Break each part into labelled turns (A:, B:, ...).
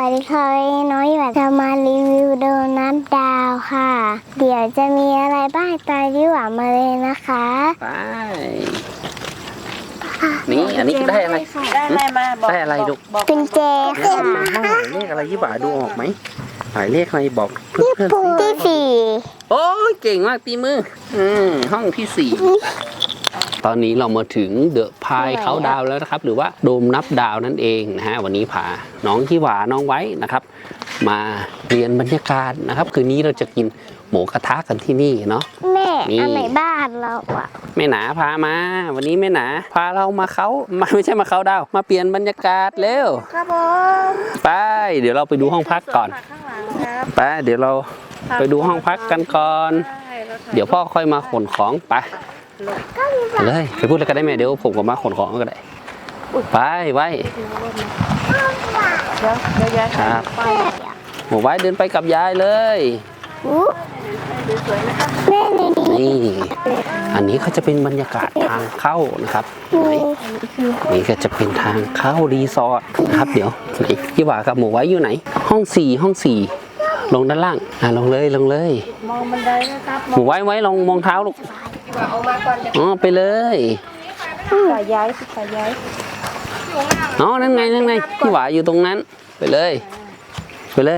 A: วัสดีค่ะน้องหยวนจะมารีวิวโดนัทดาวค่ะ เดี๋ยวจะมีอะไรบ้างตามที่หวานมาเลยนะคะ
B: ไปนี่อันนี้ได้อะไร
C: ได้อะไรมาบอก
B: ได้อะไรลูก
A: เป็นเจค่ะ
B: หมายเลขอะไรยี่บ่าดูออกไหมหมายเลขอะไรบอกเพื่อนๆสิ
A: ที่ 4
B: โอ้ยเก่งมากตีมือห้องที่ 4ตอนนี้เรามาถึงเดอะพายเขาดาวแล้วนะครับหรือว่าโดมนับดาวนั่นเองนะฮะวันนี้พาน้องยี่หวาน้องไว้นะครับมาเรียนบรรยากาศนะครับคืนนี้เราจะกินหมูกระทะกันที่นี่เนาะ
A: แม่
B: นี่
A: อันไหนบ้านเราอ่ะ
B: แม่หนาพามาวันนี้แม่หนาพาเรามาเขาไม่ใช่มาเขาดาวมาเปลี่ยนบรรยากาศเร็ว
C: ครับผม
B: ไปเดี๋ยวเราไปดูห้องพักก่อน
C: ข้างหลังครับ
B: ไปเดี๋ยวเราไปดูห้องพักกันก่อน
C: ได้รถไถ
B: เดี๋ยวพ่อค่อยมาขนของไปเลยไปพูดอะไรกันได้ไหมเดี๋ยวผมก็มาขนของก็ได้ไปไว้
C: เดี๋ยวย้าย
B: ครับ
C: ไป
B: หมูไว้เดินไปกับยายเลย
A: อู้แม่ในนี้
B: นี่อันนี้ก็จะเป็นบรรยากาศทางเข้านะครับ
A: มี
B: นี่ก็จะเป็นทางเข้ารีสอร์ทนะครับเดี๋ยวไหนพี่หวากับหมูไว้อยู่ไหนห้อง4ลงด้านล่างลงเลย
C: มองบันไดนะครับ
B: หมูไว้ลองมองเท้าลูก
C: เอามาก่อนจะ
B: อ๋อไปเลย
C: สายย้ายสายย้าย
B: อ๋อนั่นไงพี่หวาอยู่ตรงนั้นไปเลย
C: ตรงมาเลย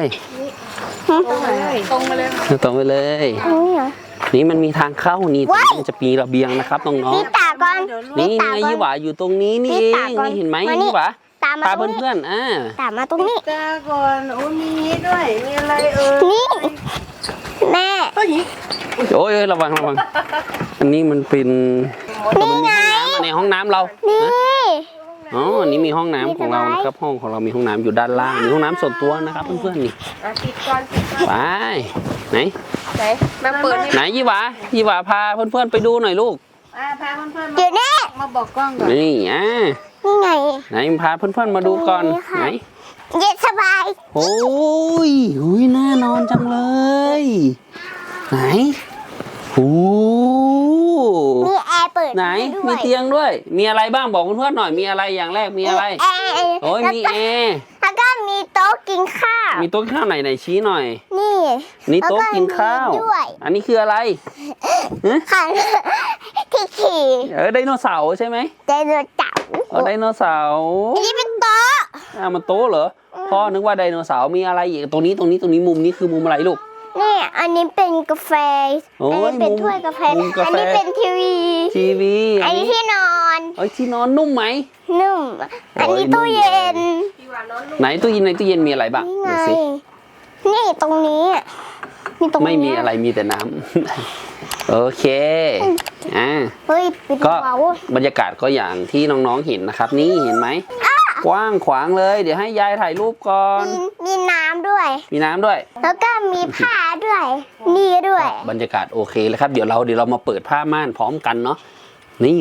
B: ตรงไปเลย
A: นี่เหรอ
B: นี่มันมีทางเข้านี่ตรงนี้มันจะมีระเบียงนะครับน้อง
A: นี่ตาก่อน
B: ๆนี่ไงยี่หวาอยู่ตรงนี้นี่เองนี่เห็นไหมยี่หวา
A: ตามมา
B: พา
A: ตรงนี้
B: เพื่อน
A: ตามมาตรงนี้
C: ตาก่อนโอ้มีนี้ด้วยมีอะไร
A: นี่ แม่
C: เฮ้ย
B: โอ้ยระวังอันนี้มันเป็นมันมีห้องน้ำในห้องน้ำเรา
A: นี่
B: อ๋ออันนี้มีห้องน้ำของเรานะครับห้องของเรามีห้องน้ำอยู่ด้านล่างมีห้องน้ำส่วนตัวนะครับเพื่อนๆนี่
C: ปิดก่อน
B: ไปไหน
C: ไหนมาเปิด
B: ไหนยี่หวาพาเพื่อนๆไปดูหน่อยลูก
C: พาเพื่อนๆ
A: เดี๋ยวนี้
C: มาบอกกล้องก่อน
B: นี่
A: นี่ไง
B: ไหนพาเพื่อนๆมาดูก่อน
A: นี่ค่ะ
B: ไหน
A: เย็นสบาย
B: โอ้ยน่านอนจังเลยไหนโอ้
A: มีแอร์เปิด
B: ไหน
A: ด้วย
B: มีเตียงด้วย มีอะไรบ้างบอกเพื่อนๆหน่อยมีอะไรอย่างแรกมีอะไร
A: แอร์
B: โอ้ยมีแอร์
A: แล้วก็มีโต๊ะกินข้าว
B: มีโต๊ะกินข้าวไหนชี้หน่อย
A: นี่
B: นี่โต๊ะกินข้าว
A: แล้วก็มีด้วย
B: อันนี้คืออะไร
A: ค่ะที่ขี่
B: ไดโนเสาร์ใช่ไหม
A: ไดโนเสาร์
B: ไดโนเสาร์
A: อันนี้เป็นโต๊ะ
B: มันโต๊ะเหรอพ่อนึกว่าไดโนเสาร์มีอะไรอีกตรงนี้มุมนี้คือมุมอะไรลูก
A: นี่อันนี้เป็นกาแฟ
B: โอ้ย
A: อันนี้เป็นถ้วยกาแฟ
B: มุมกา
A: อัน
B: แฟ
A: นี้เป็นทีวี
B: ทีวี
A: อันนี้ที่นอน
B: ที่นอนนุ่มไหม
A: นุ่ม อันนี้
B: โอ้ย
A: ตู้เย็น
B: ไหนตู้เย็นมีอะไรบ้าง
A: นี่ไง
B: ดูสิ
A: นี่ตรงนี้มีตรงนี้
B: ไม่มีอะไรมีแต่น้ำ โอเค
A: เฮ้ยปิด
B: ก็
A: เบา
B: บรรยากาศก็อย่างที่น้องๆเห็นนะครับ นี่เห็นไหมกว้างขวางเลย เดี๋ยวให้ยายถ่ายรูปก่อน
A: มีน้ำด้วย
B: มีน้ำด้วย
A: แล้วก็มีผ้าด้วย นี่ด้วย
B: บรรยากาศโอเคเลยครับเดี๋ยวเรามาเปิดผ้าม่านพร้อมกันเนาะนี่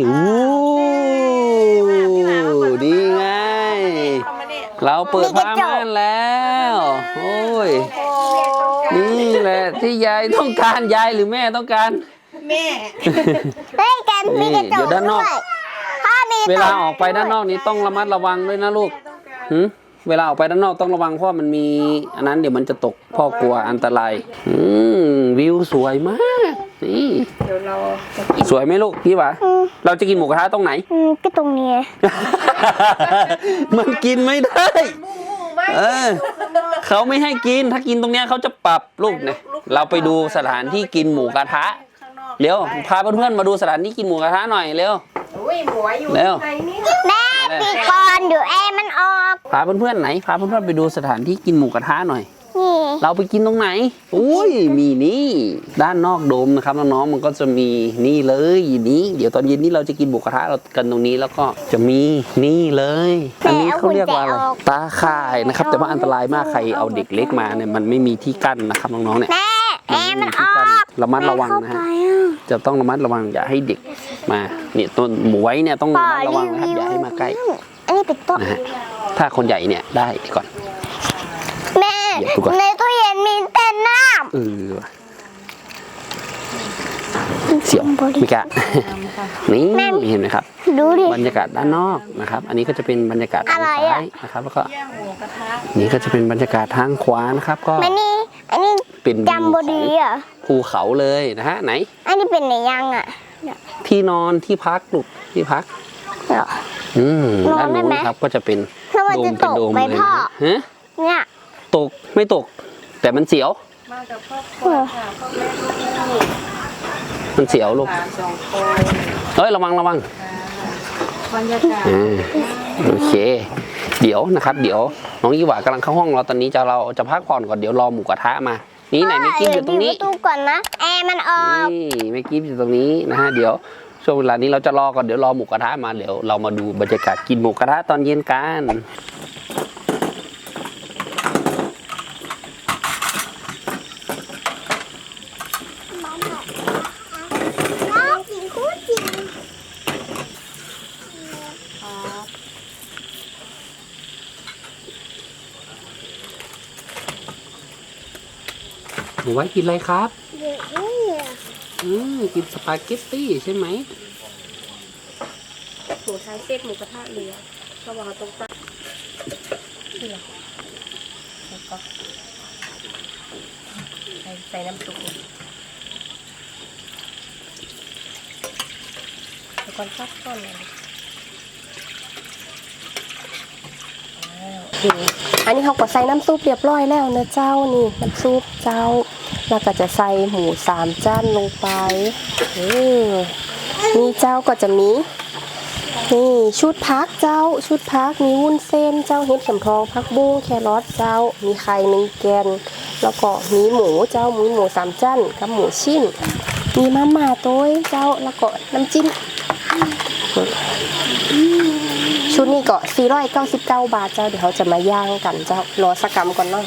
B: ดีไง เราเปิดผ้าม่านแล้วโอ้ยนี่แหละที่ยายต้องการยายหรือแม่ต้องการ
C: แม่
A: เฮ้ยแกมีกระจ
B: เดี๋
A: ก
B: ยวด้านนอก
A: ด้วยพ่อมีกระจก
B: เวลาออกไปด้านนอกนี้ต้องระมัดระวังด้วยนะลูกเวลาออกไปด้านนอกต้องระวังเพราะมันมีอันนั้นเดี๋ยวมันจะตกพ่อกลัวอันตรายวิวสวยมากนี่
C: เดี๋ยวเราจะ
B: สวยไหมลูกพี่วะเราจะกินหมูกระทะตรงไหน
A: ก็ตรงนี้
B: มันกินไม่ได้เขาไม่ให้กินถ้ากินตรงเนี้ยเขาจะปรับลูกเนี่ยเราไปดูสถานที่กินหมูกระทะเร็วพาเพื่อนๆมาดูสถานที่กินหมูกระทะหน่อยเร็ว
C: อุ้ยหมวยอยู่
B: เร็ว
C: ไหนนี่
A: แม่ปีก่อนเดี๋ยวแอร์มันออก
B: พาเพื่อนๆไหนพาเพื่อนๆไปดูสถานที่กินหมูกระทะหน่อย
A: นี่
B: เราไปกินตรงไหนอุ้ยมีนี่ด้านนอกโดมนะครับน้องๆมันก็จะมีนี่เลยนี้เดี๋ยวตอนเย็นนี้เราจะกินหมูกระทะเรากันตรงนี้แล้วก็จะมีนี่เลยอันนี้เขาเรียกว่าอะไรตาข่ายนะครับแต่ว่าอันตรายมากใครเอาเด็กเล็กมาเนี่ยมันไม่มีที่กั้นนะครับน้องๆเนี่ย
A: แม่แอร์มันออก
B: ระมัดระวังนะฮะ
A: เข้าไปอ่ะ
B: จะต้องระมัดระวังอย่าให้เด็กมาเนี่ยต้นหมูไว้เนี่ยต้องระมัดระวังนะครับอย่าให้มาใกล้
A: อันนี้เป็นโต๊ะ
B: นะฮะถ้าคนใหญ่เนี่ยได้ก่อน
A: แม่
B: เดี๋ยวดูก่อน
A: ในตู้เย็นมีแต่น้
B: เออ
A: ำ
B: สียวไม่กะ นี่เห็นไหมครับ
A: ดูดิ
B: บรรยากาศด้านนอกนะครับ อันนี้ก็จะเป็นบรรยากาศทาง
A: อะไร
B: ซ้า
A: อะ
B: ยนะครับ แล้วก็
C: ย่างหมูกระทะ
B: นี่ก็จะเป็นบรรยากาศทางขวานะครับ ก็
A: อันนี้
B: เป็นวิว
A: จำบดีเหรอ
B: ภูเขาเลยนะฮะไหน
A: อันนี้เป็นไหนยังอ่ะ
B: ที่นอนที่พักลูกที่พัก
A: เหรอ นอน
B: ด้าน
A: ได้
B: นู้น
A: ไหม
B: ครับก็จะเป็น
A: แล้วมัน
B: โด
A: จะ
B: ม
A: ต
B: เป็น
A: ก
B: โดม
A: ไหม
B: เลย
A: พ่อ
B: ฮะ
A: เนี่ย
B: ตกไม่ตก แต่มันเสียว
C: มากับครอบครัวค่ะพ่อแม่ลูก
B: มันเสียวลูก
C: หลานสองคน
B: เฮ้ยระวังระวัง
C: บรรยากาศ
B: โอเค เดี๋ยวนะครับ เดี๋ยวน้องยี่หวากำลังเข้าห้องเราตอนนี้เราจะพักผ่อนก่อนเดี๋ยวรอหมูกระทะมา นี่ไหนเมกี้อยู่ตรงนี้
A: เดี๋วปิดประตูก่อนนะแอร์มันออก
B: นี่เมกี้อยู่ตรงนี้นะฮะเดี๋ยวช่วงเวลานี้เราจะรอก่อนเดี๋ยวรอหมูกระทะมาเดี๋ยวเรามาดูบรรยากาศกินหมูกระทะตอนเย็นกัน
A: น้องกินคู่จริง
B: หนูไว้กินอะไรครับ
A: เดี๋ยวนี่อะ
B: กินสปาเกตตี้ใช่ไหม
C: หมูไทยเซ็ตหมูกระทะเหลือระหว่างตรงกลางนี่เหรอแล้วก็ใส่น้ำซุปแล้วก็ซักก้อนเลยอันนี้เขาก็ใส่น้ำซุปเรียบร้อยแล้วนะเจ้านี่น้ำซุปเจ้าแล้วก็จะใส่หมู3 จานลงไปนี่เจ้าก็จะมีนี่ชุดพักเจ้าชุดพักมีวุ้นเส้นเจ้าเห็ดเข็มทองผักบุ้งแครอทเจ้ามีไข่1 แกนแล้วก็มีหมูเจ้าหมู3 จานกับหมูชิ้นมีมาม่าโต้ยเจ้าแล้วก็น้ำจิ้มชุดนี้ก็499 บาทเจ้าเดี๋ยวเขาจะมาย่างกันเจ้ารอสักกรรมก่อนเนาะ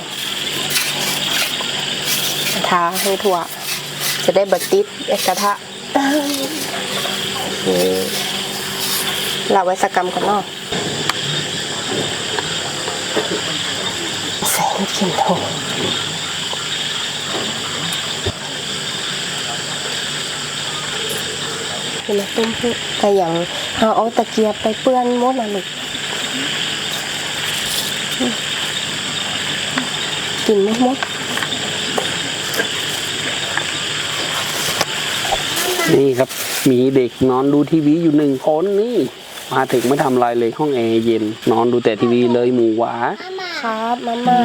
C: ทาให้ทั่วจะได้บัดติดกระทะเราไว้สักกรรมก่อนเนาะใส่ลูกชิ้นทอดเป็นต้มพุแต่อย่างเอาตะเกียบไปเปื้อนมดนะลูกกินมด
B: นี่ครับมีเด็กนอนดูทีวีอยู่1 คนนี่มาถึงไม่ทำอะไรเลยห้องแอร์เย็น นอนดูแต่ทีวีเลยหมูหวา
C: ครับมาม่า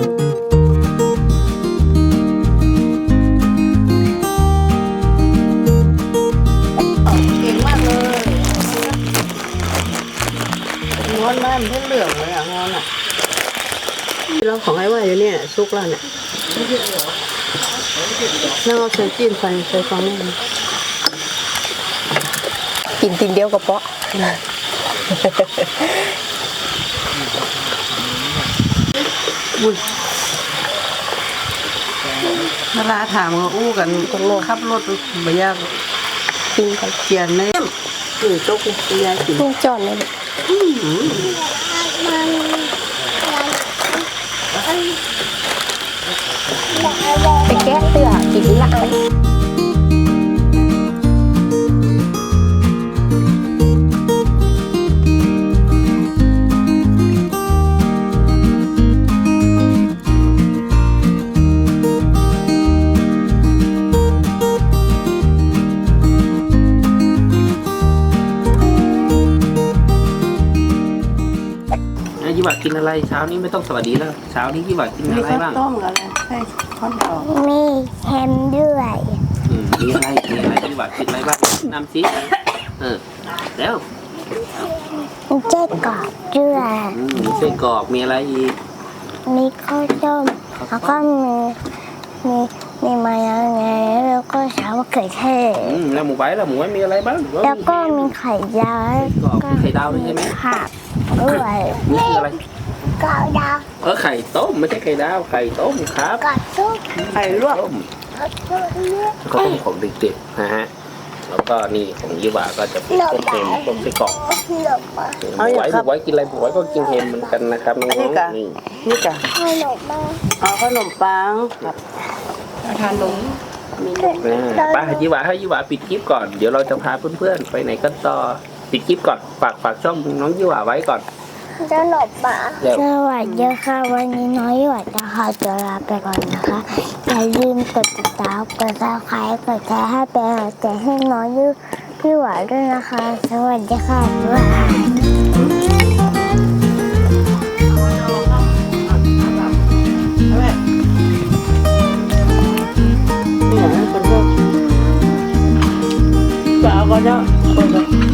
C: เก่งมากเลยงอนบ้านเพิ่งเหลืองเลยอ่ะงอนอ่ะเราของไอ้ว่าอยู่เนี่ยซุกแล้วเนี่ยแล้วเอาใส่จีนใส่ฟองนี่กินตินเดียวกับเปาะบุญเวลาถามก็อู้กันคนโลขับรถไปยากกินกันเกียนเลยโจ๊กยายกินจอนเลยไปแก้เตือกินละอัน
B: ยี่หวากินอะไรเช้านี้ไม่ต้องสวัสดีแล้วเช้านี้ยี่หวากินอะไรบ้าง
C: ต้มกับอะไรใช่ข้าวดอก
A: มีแฮมด้วย
B: มีอะไรยี่หวากินอะไรบ้างน้ำซิแล้ว
A: มีเจ๊กรอบด้วย
B: มีไส้กรอกมีอะไรอีก
A: มีข้าวต้มแล้วก็มีมายองเนสแล้วก็ซอสมะเขือเทศ
B: แล้วหมูไว้มีอะไรบ้าง
A: แล้วก็มีไข่ดาว
B: ไข่ดาวด้วยใช่ไหม
A: ผักด้วย
B: นี่คืออะไร
A: ไข่ดาว
B: ไข่ต้มไม่ใช่ไข่ดาวไข่ต้มครับ
A: กับซุป
C: ไข่ลวก
B: ต้มก็ต้มของเด็กๆนะฮะแล้วก็นี่ของยี่หวาก็จะเป็นต้มเค็มต้มไส้กรอก
A: หลบมา
B: หมูไว้กินอะไรหมูไว้ก็กินเค็มเหมือนกันนะครับน้องๆนี่
C: นี่จ้ะ
A: ขนมมา
C: เอาขนมปังกับทานนมมีนก
B: ไปยี่หวาให้ยี่หวาปิดคลิปก่อนเดี๋ยวเราจะพาเพื่อนๆไปไหนกันต่อปิดคลิปก่อนฝากช่องน้องยี่หวาไว้ก่อน
A: เจ้าหนบป่า
B: เร็ว
A: สวัสดีค่ะวันนี้น้อยหวัดจะขอตัวลาไปก่อนนะคะอย่าลืมกดติดตามกดซับสไครต์กดแชร์ให้เป็นกำลังใจให้น้อยพี่หวานด้วยนะคะ สวัสดีค่ะบ๊ายบาย
C: Dạ con đó.